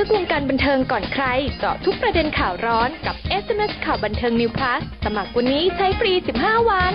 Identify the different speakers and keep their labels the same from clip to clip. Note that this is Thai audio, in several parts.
Speaker 1: กวงการบันเทิงก่อนใครเจาะทุกประเด็นข่าวร้อนกับ SMS ข่าวบันเทิง New Plus สมัครวันนี้ใช้ฟรี 15 วัน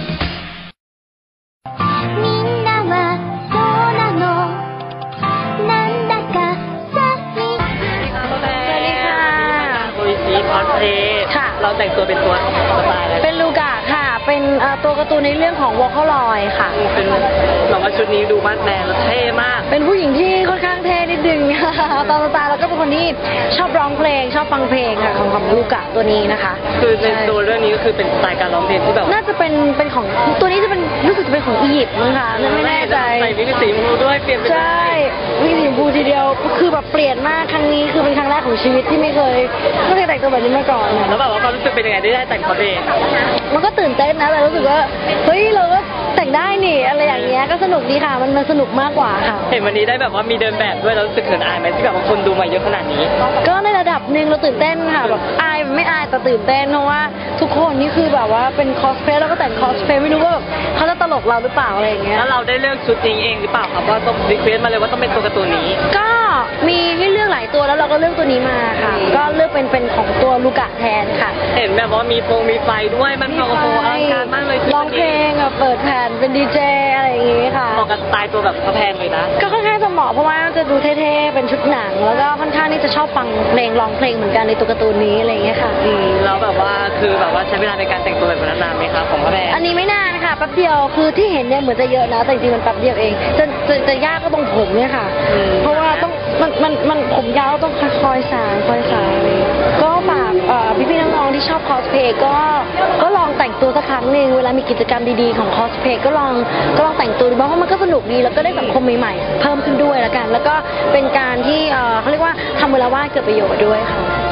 Speaker 2: คอสเพลย์เราแต่งตัวเป็นตัวสไตล์อะไร
Speaker 3: เป็นลูกะค่ะเป็นตัวการ์ตูนในเรื่องของวอลคอลอยค่ะ
Speaker 2: เป็นแบบว่าชุดนี้ดูมาดแมนแล้วเท่มาก
Speaker 3: เป็นผู้หญิงที่ค่อนข้างเท่นิดนึงตอนสไตล์แล้วก็เป็นคนที่ชอบร้องเพลงชอบฟังเพลงค่ะของลูกะตัวนี้นะคะ
Speaker 2: คือในตัวเรื่องนี้ก็คือเป็นสไตล์การร้องเพลงที่แบบ
Speaker 3: น่าจะเป็นของตัวนี้จะเป็นรู้สึกจะเป็นของอียิปต์มั้งคะไม่แน่ใจ
Speaker 2: ใส่วิกสีชมพูด้วยเปลี่ยนไป
Speaker 3: ใช่วิกสีชมพูทีเดียวคือแบบเปลี่ยนมากครั้งนี้คือเป็นครั้งแรกของชีวิตที่ไม่เคยแต่งตัวแบบนี้มาก่อน
Speaker 2: แล้วแบบว่าความรู้สึกเป็นยังไงได้แต่งคอสเพลย์
Speaker 3: มันก็ตื่นเต้นนะแต่รู้สึกว่าเฮ้ยเราก็แต่งได้นี่อะไรอย่างเงี้ยก็สนุกดีค่ะมันสนุกมากกว่าค่ะ
Speaker 2: เห็นวันนี้ได้แบบว่ามีเดินแบบด้วยแล้วรู้สึกเขินอายไหมที่แบบว่าคนดูมาเยอะขนาดนี้
Speaker 3: ก็ในระดับหนึ่งเราตื่นเต้นค่ะแบบอายไม่อายแต่ตื่นเต้นเพราะว่าทุกคนนี่คือแบบว่าเป็นคอสเพลย์แล้วก็แต่งคอสเพลย์ไม่รู้ว่าแบบเขาจะตลกเราหรือเปล่าอะไรอย่างเงี้ย
Speaker 2: แล้วเราได้เลือกชุดนี้เองหรือเปล่าครับว่าต้องรีเควสมาเลยว่าต้องเป็นตัวการ์ตูนนี้
Speaker 3: ก็มีให้เลือกหลายตัวแล้วเราก็เลือกตัวนี้มาค่ะก็เลือกเป็นของตัวลูกะแทนค่ะ
Speaker 2: เห็นแบบว่ามีไฟด้วยมันโอ้โหอลังการมากเลย
Speaker 3: ร้องเพลงเปิดแผ่นเป็นดีเจอะไรอย่างงี้ค่ะ
Speaker 2: เหมาะกับสไตล์ตัวแบบพระแพงเลยนะ
Speaker 3: ก็ค่อนข้างจะเหมาะเพราะว่าจะดูเท่ๆเป็นชุดหนังแล้วก็ค่อนข้างที่จะชอบฟังเพลงร้องเพลงเหมือนกันในตัวการ์ตูนนี้อะไรอย่างเงี้ยค่ะ
Speaker 2: แล้วแบบว่าคือแบบว่าใช้เวลาในการแต่งตัวแบบนั้นนานไหมคะของพระแพง
Speaker 3: อันนี้ไม่นานค่ะแป๊บเดียวคือที่เห็นเนี่ยเหมือนจะเยอะนะแต่จริงๆมันแป๊บเดียวเองจะยากก็ตรงผมเนี่ยค่ะเพราะว่าต้องมันผมยาวต้องคอยสางก็ฝากพี่ๆน้องๆที่ชอบคอสเพลย์ก็ลองแต่งตัวสักครั้งหนึ่งเวลามีกิจกรรมดีๆของคอสเพลย์ก็ลองแต่งตัวดูเพราะมันก็สนุกดีแล้วก็ได้สังคมใหม่ๆเพิ่มขึ้นด้วยแล้วกันแล้วก็เป็นการที่เขาเรียกว่าทำเวลาว่างเกิดประโยชน์ด้วยค่ะ